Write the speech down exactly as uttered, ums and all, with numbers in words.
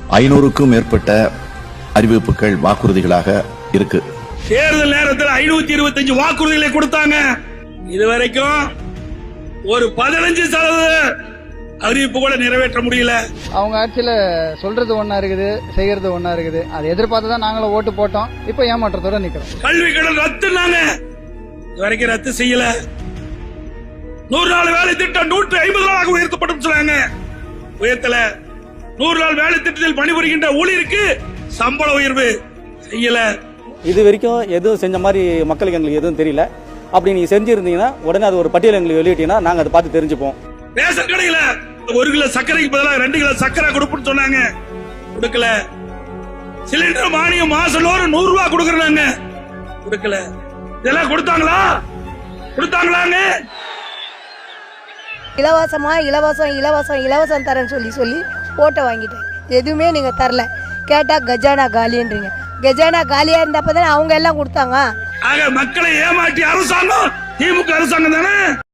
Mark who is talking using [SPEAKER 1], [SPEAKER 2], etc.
[SPEAKER 1] ஐநூறுக்கும் மேற்பட்ட அறிவிப்புகள் வாக்குறுதிகளாக இருக்கு.
[SPEAKER 2] தேர்தல் நேரத்தில் ஐநூத்தி இருபத்தி அஞ்சு வாக்குறுதிகளை கொடுத்தாங்க. இதுவரைக்கும் ஒரு பதினஞ்சு சதவீத அறிவிப்பு கூட நிறைவேற்ற முடியல.
[SPEAKER 3] அவங்க ஆட்சியில சொல்றது ஒன்னா இருக்குது, செய்யறது ஒன்னா இருக்குது. அதை எதிர்பார்த்து தான் நாங்களும் ஓட்டு போட்டோம். இப்ப ஏமாற்றத்தோட நிக்கிறோம்.
[SPEAKER 2] கல்வி கடன் ரத்துனாங்க, இதுவரைக்கும் ரத்து செய்யல. நூறு நாள் வேலை திட்டம் நூற்றி ஐம்பது நாளாக உயர்த்தப்படும் சொன்னாங்க, உயர்த்தல. நூறு நாள் வேலை திட்டத்தில் பணிபுரிகின்ற ஊழியருக்கு சம்பள உயர்வு செய்யல.
[SPEAKER 4] இது வரைக்கும் எதுவும் செஞ்ச மாதிரி மக்களுக்கு எங்களுக்கு எதுவும் தெரியல. அப்படி நீங்க செஞ்சிருந்தீங்கன்னா உடனே அது ஒரு பட்டியல் எங்களுக்கு வெளியிட்டீங்கன்னா நாங்க அதை பார்த்து தெரிஞ்சுப்போம்.
[SPEAKER 2] ரேஷன் கடையில ஒரு கிலோ சர்க்கரைக்கு பதிலாக ரெண்டு கிலோ சர்க்கரை கொடுப்புன்னு சொன்னாங்க, கொடுக்கல. சிலிண்டர் மானியம் மாசம் நூறு ரூபாய் கொடுக்கறாங்க, கொடுக்கல. இதெல்லாம் கொடுத்தாங்களா? கொடுத்தாங்களாங்க?
[SPEAKER 5] இலவசமா இலவசம் இலவசம் இலவசம் தரேன்னு சொல்லி சொல்லி ஓட்டை வாங்கிட்டேன். எதுவுமே நீங்க தரல. கேட்டா கஜானா காலின்றீங்க. கஜானா காலியா இருந்தப்பதான் அவங்க எல்லாம் கொடுத்தாங்க.
[SPEAKER 2] ஆக மக்களை ஏமாற்றி அரசாங்கம் திமுக அரசாங்கம் தானே.